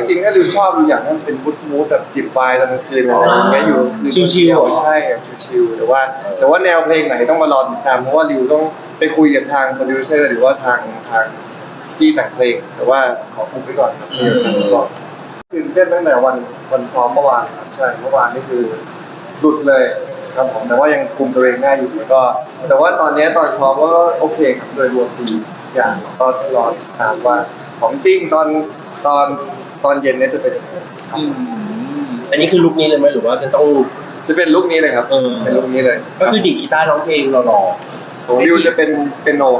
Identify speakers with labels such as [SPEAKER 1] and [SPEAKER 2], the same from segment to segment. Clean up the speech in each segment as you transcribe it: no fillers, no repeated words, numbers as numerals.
[SPEAKER 1] ริงๆถ้าริวชอบริวอยากให้มันเป็นมูดแบบจิบไวน์ตอนกลางคืนอะไรอย่างเงี้ยอยู่คืน
[SPEAKER 2] ชิลๆ
[SPEAKER 1] ใช่แบบชิลๆแต่ว่าแนวเพลงไหนต้องมารอติดตามเพราะว่าริวต้องไปคุยกับทางโปรดิวเซอร์หรือว่าทางที่แต่งเพลงแต่ว่าขอคุมไว้ก่อนครับตื่นเต้นตั้งแต่วันซ้อมเมื่อวานครับใช่เมื่อวานนี่คือหลุดเลยครับผมแต่ว่ายังคุมตัวเองได้อยู่แล้วก็แต่ว่าตอนนี้ตอนซ้อมก็โอเคครับโดยรวมดีอย่างก็ต้องรอติดตามว่าของจริงตอนเย็นเนี่ยจะเป็นยังไงครับ
[SPEAKER 2] อันนี้คือลุคนี้เลยไหมหรือว่าจะต้อง
[SPEAKER 1] จะเป็นลุคนี้เลยครับเป็นลุคนี้เลย
[SPEAKER 2] ก็คือดีดกีตาร์ร้องเพลงหล่อ
[SPEAKER 1] ของริวจะเป็นโน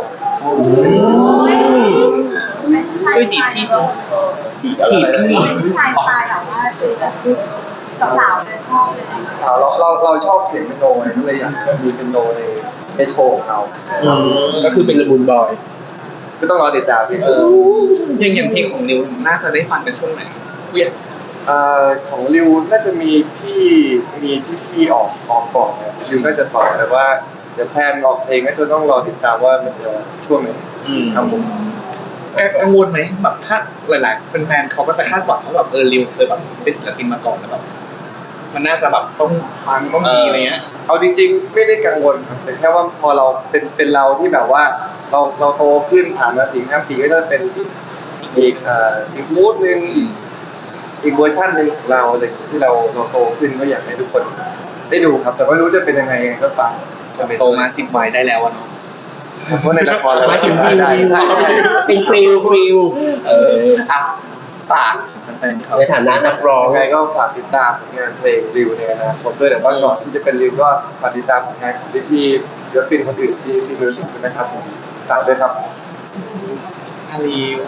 [SPEAKER 3] ช่วยดีดพี่
[SPEAKER 2] ๆดีดอะไรนะ
[SPEAKER 3] ผู้ชายสไตล์แบบว่าคือแบบสาวๆจะชอบเลยนะ
[SPEAKER 1] เราชอบเสียงเป็นโนไงก็เลยอยากมีเป็นโนในโชว์ของเรา
[SPEAKER 2] ก็คือเป็นละมุนบอย
[SPEAKER 1] ก็ต้องรอติดตามพี่
[SPEAKER 4] อย่างเพลงของนิวน่าจะได้ฟังกันช่วงไหนเวียน
[SPEAKER 1] ของริวน่าจะมีพี่ออกก่อนนะริวก็จะต่อแต่ว่าเดี๋ยวแพลนออกเพลงก็จะต้องรอติดตามว่ามันจะช่วงไหนครับผม
[SPEAKER 4] กังวลไหมแบบคาดหลายๆแฟนๆเขาก็จะคาดหวังว่าแบบริวเคยแบบเป็นศิลปินมาก่อนแล้วแบบมันน่าจะแบบต้องฟังต้องดีอะไรเงี้ย
[SPEAKER 1] เอาจริงๆไม่ได้กังวลครับแต่แค่ว่าพอเราเป็นเราที่แบบว่าเราโตขึ้นผ่านมา4-5 ปีก็จะเป็นอีกมูดนึงอีกเวอร์ชันหนึ่งของเราเลยที่เราโตขึ้นก็อยากให้ทุกคนได้ดูครับ แต่ไม่รู้จะเป็นยังไงก็ฟัง
[SPEAKER 4] โตมา10 วัยได้แล้วอะเนาะ
[SPEAKER 1] เพราะในละครเรา
[SPEAKER 2] หมายถึงฟิล
[SPEAKER 1] ได้ใช่
[SPEAKER 2] เป็นฟิล
[SPEAKER 4] อ่ะฝากแฟนๆเขา
[SPEAKER 2] ในฐานะนักร้อง
[SPEAKER 1] ยังไงก็ฝากติดตามผลงานเพลงริวในอนาคตด้วยแต่ว่าก่อนที่จะเป็นริวก็ฝากติดตามผลงานของพี่ๆศิลปินคนอื่นที่ซีมิวสิกด้วยนะครับผมฝากด้วยครับ
[SPEAKER 4] ริว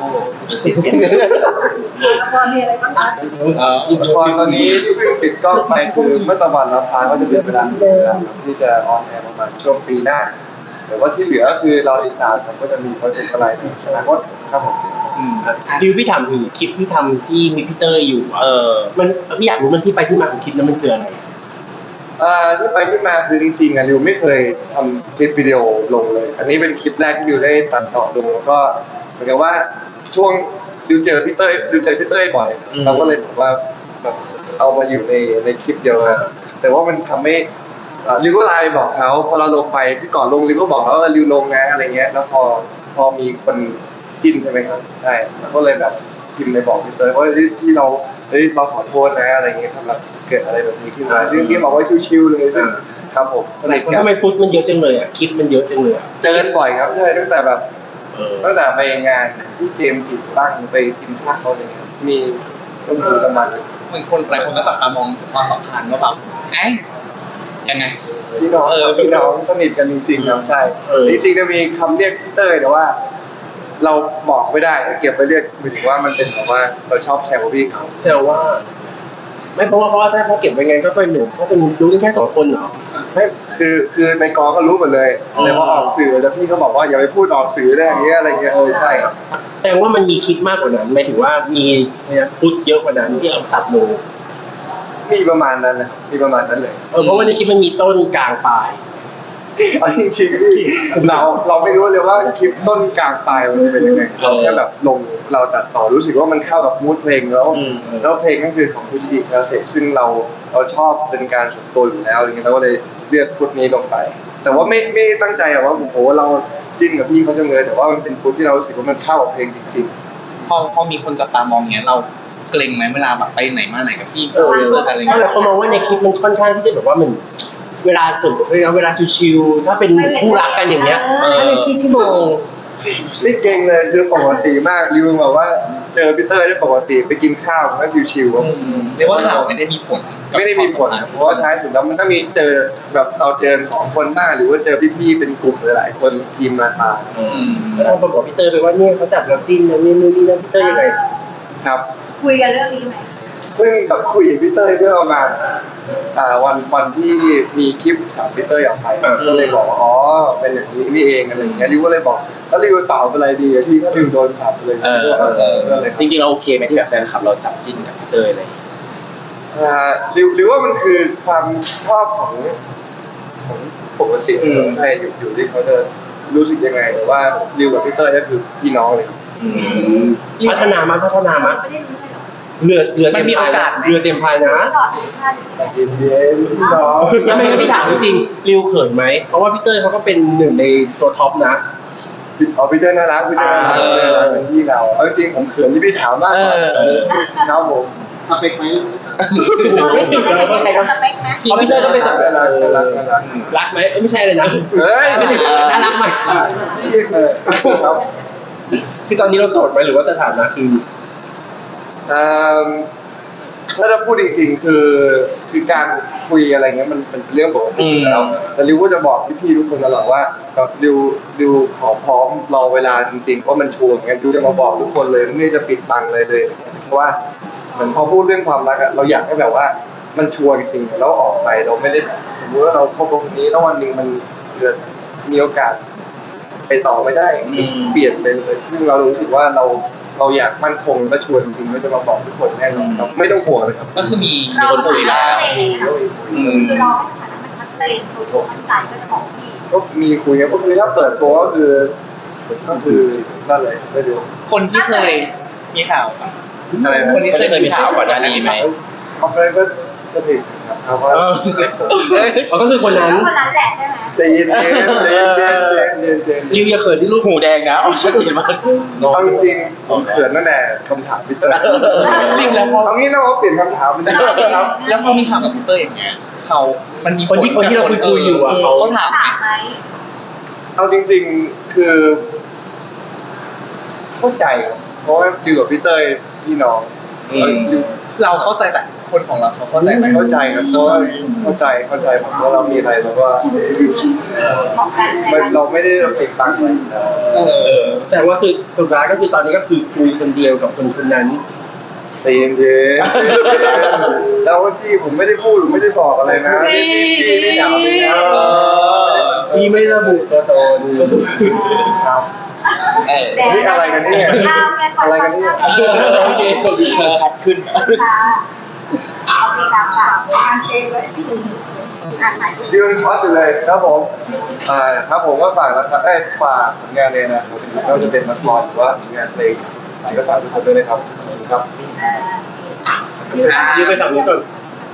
[SPEAKER 3] ละครมีอะไรบ้างคะ
[SPEAKER 1] ละครตอนนี้ที่เพิ่งปิดกล้องไปคือเมื่อตะวันรับพาก็จะเป็นเวลาที่จะออนแอร์ประมาณช่วงปีหน้าแต่ว่าที่เหลือคือเราติดตามครับก็จะมีโปรเจกต์อะไรในอนาคตครับผม
[SPEAKER 2] ดิวพี่ถามถึงคลิปที่ทำที่มีพี่เตอร์อยู่มันพี่อยากรู้มันที่ไปที่มาของคลิปนั้นมันคืออะไร
[SPEAKER 1] ที่ไปที่มาคือจริงๆริวไม่เคยทำคลิปวิดีโอลงเลย อันนี้เป็นคลิปแรกที่ริวได้ตัดต่อลงแล้วก็เหมือนกับว่าช่วงริวเจอพี่เต้ยบ่อยเราก็เลยบอกว่าแบบเอามาอยู่ในคลิปเดียวกันแต่ว่ามันทำให้ริวก็ไลน์ไปบอกเขาพอเราลงไปที่ก่อนลงริวก็บอกเขาว่าริวลงนะอะไรเงี้ยแล้วพอมีคนจิ้นใช่ไหมครับใช่แล้วก็เลยแบบพิมพ์ไปบอกพี่เต้ยว่าที่เราขอโทษนะอะไรเงี้ยครับเกิดอะไรแบบนี้ขึ้นมาซึ่งพี่บอกว่าชิวๆเลยซึ่งครับผม
[SPEAKER 2] ทำไมฟุตมันเยอะจังเลยอ่ะคลิปมันเยอะจังเลยอ่ะ
[SPEAKER 1] เจอกันบ่อยครับใช่ตั้งแต่ไปงานที่เจมส์จิตั้งไปกินข้าวอะไรเงี้ยมีก็มีประมาณ
[SPEAKER 4] เหมือนคนหลายคนก็จับตามองความสัมพันธ์ว่าแบบไงยังไง
[SPEAKER 1] พี่น้องสนิทกันจริงๆครับใช่จริงๆจะมีคำเรียกพี่เต้ยแต่ว่า เราบอกไม่ได้เก็บไปเรียกหมายถึงว่ามันเป็นแบบว่าเราชอบแซวพี่เขา
[SPEAKER 2] แต่ว่า ไม่เพราะว่าถ้าเขาเก็บไว้ไงก็เป็นหนึ่งเขาเป็นรู้กันแค่2 คนเหรอ
[SPEAKER 1] ไม่คือในกองก็รู้หมดเลยแต่พอออกสื่อแต่พี่เขาบอกว่าอย่าไปพูดออกสื่อได้อย่างเงี้ยอะไรเงี้ยใช่ครับ
[SPEAKER 2] แสดงว่ามันมีคลิปมากกว่านั้นหมายถึงว่ามีฟุตเยอะกว่านั้นที่เอาตัดลง
[SPEAKER 1] มีประมาณนั้นนะครับมีประมาณนั้นเลย
[SPEAKER 2] เพราะว่าในคลิปมันมีต้นกลางปลาย
[SPEAKER 1] เอาจริงๆที่เราไม่รู้เลยว่าคลิปต้นกลางปลายมันจะเป็นยังไงเราแค่แบบลงเราตัดต่อรู้สึกว่ามันเข้ากับมูดเพลงแล้วเพลงก็คือของฟูจิคาเซซึ่งเราชอบเป็นการส่วนตัวอยู่แล้วอย่างเงี้ยเราก็เลยเลือกฟุตนี้ลงไป แต่ว่าไม่ตั้งใจอะว่าโอ้โหเราจิ้นกับพี่เขาจังเลยแต่ว่ามันเป็นฟุตที่เรารู้สึกว่ามันเข้ากับเพลงจริงๆ
[SPEAKER 4] พอมีคนจับตามองเงี้ยเราเกรงไหมเวลาแบบไปไหนมาไหนกับพี่เจออะไร
[SPEAKER 2] เพราะ
[SPEAKER 4] เงี้ย
[SPEAKER 2] เขามองว่าในคลิปมันค่อนข้างที่จะแบบว่ามันเวลาส่วนตัวเวลาชิวๆถ้าเป็นคู่รักกันอย่างเงี้ยอันนี้ที่มอง
[SPEAKER 1] ไม่เก่งเลยคือปกติมากริวบอกว่าเจอพีเตอร์ได้ปกติไปกินข้าวก็ชิวๆครับ
[SPEAKER 4] เรียกว่าข่าวไม่ได้มีผล
[SPEAKER 1] ไม่ได้มีผลนะเพราะว่าท้ายสุดแล้วมันก็มีเจอแบบเราเจอ2 คนบ้างหรือว่าเจอพี่ๆเป็นกลุ่มหลายๆคนทีมมาทาน
[SPEAKER 2] แล้วเราบอกพี่เตอร์ไปว่าเนี่ยเขาจับเราจิ้นนะนี่นี่นะพี่เตอร์ยังไง
[SPEAKER 1] ครับ
[SPEAKER 3] คุยกันเรื่องนี้ไหม
[SPEAKER 1] เพิ่งกับคุยกับพี่เต้ยเมื่อประมาณวันที่มีคลิปสามพี่เต้ยออกไปก็เลยบอกว่าอ๋อเป็นอย่างนี้นี่เองอะไรอย่างเงี้ยริวก็เลยบอกแล้วริวตอบอะไรดีพี่ก็ริวโดนสับเลยก็เลย
[SPEAKER 2] จริงๆเราโอเคไหมที่แบบแฟนคลับเราจับจิ้นกับพี่เตอร์อะไร
[SPEAKER 1] ริวว่ามันคือความชอบของปกติใช่อยู่ที่เขาจะรู้สึกยังไงแต่ว่าริวกับพี่เต้ยก็คือพี่น้องเลย
[SPEAKER 2] พัฒนามา
[SPEAKER 3] ไม่ได้รู้ใช่หรอ
[SPEAKER 4] มันมีโอกาสไหม
[SPEAKER 2] เรือเต็มพายนะ
[SPEAKER 3] ต่อถึงขั้น
[SPEAKER 1] แต่เย็นๆพี่น้อง
[SPEAKER 2] ทำไมงั้นพี่ถามจริงๆริวเขินไหมเพราะว่าพี่เต้ยเขาก็เป็นหนึ่งในตัวท็อปนะ
[SPEAKER 1] เอาพี่เต้ยน่ารักพี่เต้ยน่ารักพี่เต้ยน่ารักเป็นพี่เราเอาจริงๆผมเขินที่พี่ถามมากกว่า
[SPEAKER 2] เออ
[SPEAKER 1] ครับผม
[SPEAKER 4] สเปคไหม
[SPEAKER 2] ไม่ติดอะไรก็ใครก็
[SPEAKER 3] สเปคไหม
[SPEAKER 2] เขาพี่เต้ยต้องเป็นสัตว์
[SPEAKER 1] น่ารักน่ารักน่ารัก
[SPEAKER 2] รักไหมไม่ใช่เลยนะ
[SPEAKER 1] เฮ้ย
[SPEAKER 2] ไม่ถึงน่ารักไหม
[SPEAKER 1] พี่เลยครับ
[SPEAKER 2] คือตอนนี้เราโสดไหมหรือว่าสถานะคือ
[SPEAKER 1] เอิ่มถ้าจะพูดจริงๆคือการคุยอะไรเงี้ยมันเป็นเรื่องปกติอยู่แล้วแต่ริวก็จะบอกพี่ๆทุกคนตลอดว่าแบบริวขอพร้อมรอเวลาจริงๆเพราะมันชัวร์อย่างเงี้ยริวจะมาบอกทุกคนเลยไม่ได้จะปิดบังเลยเพราะว่าเหมือนพอพูดเรื่องความรักอะเราอยากให้แบบว่ามันชัวร์จริงๆแล้วออกไปเราไม่ได้สมมติว่าเราคบกับคนนี้แล้ววันหนึ่งมันเกิดมีโอกาส ไปต่อไม่ได้เปลี่ยนไปเลยซึ่งเรารู้สึกว่าเราอยากมั่นคงและชวนจริงๆก็จะมาบอกทุกคนแน่นอนครับไม่ต้องห่วงเลยครับ
[SPEAKER 4] ก็คือมีคนคุยแล้ว
[SPEAKER 3] คือรอให้สถานะมันชัดเจนตัวมั่นใจก็จะบอกพี่
[SPEAKER 1] ก็มีคุยกันก็คือถ้าเปิดตัวก็คือนั่นเลยไม่รู้
[SPEAKER 4] คนที่เคยมีข่าว
[SPEAKER 1] อะไรนะ
[SPEAKER 4] คนที่เคยมีข่าวก่อนหน้านี้ไหม
[SPEAKER 1] เขาไปก็ถึงครับว่า
[SPEAKER 2] อ๋อก็คือคนนั้น
[SPEAKER 3] คนนั้นแหละใช่ไหม
[SPEAKER 1] ใจเย็นๆใจเย็นๆใจเย็นๆใจเย็น
[SPEAKER 2] ริวอย่าเขินที่ลูก
[SPEAKER 4] หูแดงนะอ๋อชัดเจนมาก
[SPEAKER 1] ๆเอาจริงๆผมเขินตั้งแต่คำถามพี่เตอร์
[SPEAKER 4] จริงแล้วพอ
[SPEAKER 1] เอางี้เราเปลี่ยนคำถามไปได้ครับ
[SPEAKER 4] แล้วพอมีข่าวกับพีเตอร์อย่างเงี้ยมันมี
[SPEAKER 2] คนที่เราคุยอยู่อ่ะเขา
[SPEAKER 4] เขาถาม
[SPEAKER 3] ถามไหม
[SPEAKER 1] เอาจริงๆคือเข้าใจครับเพราะว่าอยู่กับพี่เต้ยพี่น้องอยู่
[SPEAKER 4] เราเข้าใจแต่คนของเราเขาเข้าใจไหม
[SPEAKER 1] เข้าใจครับเพราะว่าเข้าใจผมว่าเรามีอะไรเราก็
[SPEAKER 3] บอกกัน
[SPEAKER 1] เราไม่ได้ปิดบังอะไรอยู่แล้ว
[SPEAKER 2] แสดงว่าคือสุดท้ายก็คือตอนนี้ก็คือคุยคนเดียวกับคนคนนั้น
[SPEAKER 1] ใจเย็นๆแล้วที่ผมไม่ได้พูดหรือไม่ได้บอกอะไรนะที่ไม่ถามไม่นะ
[SPEAKER 2] พี่ไม่ระบุตัวตน
[SPEAKER 1] ครับ นี่อะไรกันเนี่ยอะไรกันเนี่ย
[SPEAKER 2] โอเคขอบคุณครับ
[SPEAKER 4] ชัดขึ้น
[SPEAKER 3] ค่ะโอเคครับค่ะอ่านเองไว้อ่านใหม่
[SPEAKER 1] ดิวช็อตอยู่เลยครับผมครับผมก็ฝากนะครับฝากผลงานเลยนะครับไม่ว่าจะเป็นมัสมอนหรือว่าผลงานเพลงก็ฝากทุกคนด้วยนะครับขอบคุณครับ
[SPEAKER 2] ยืมไปฝั่งนี้ก่อน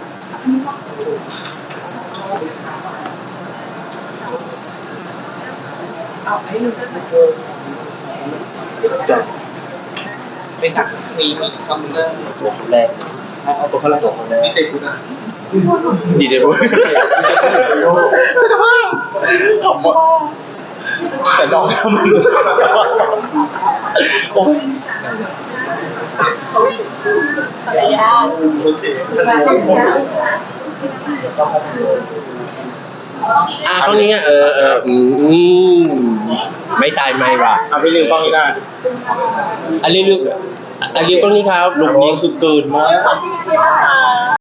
[SPEAKER 4] ไม่ถักมีคำนึงนะ
[SPEAKER 2] ตัวคนแรกเอาตัวคนแรกตัวคนแรก
[SPEAKER 4] ดีเจคุณอ่ะ
[SPEAKER 2] ดีเจพูด
[SPEAKER 4] จะว่าขำว่ะแต่น้องมันจะว่าโอ้ย
[SPEAKER 3] อะไรยาก
[SPEAKER 4] โอเค
[SPEAKER 2] ตรงนี้ไม่ตายไม่ว่ะ
[SPEAKER 4] เอาไปลืมกล้องนี้ได้
[SPEAKER 2] อันนี้ลึกอันนี้ตรงนี้ครับ
[SPEAKER 4] ลุงนี้คือเกินมาก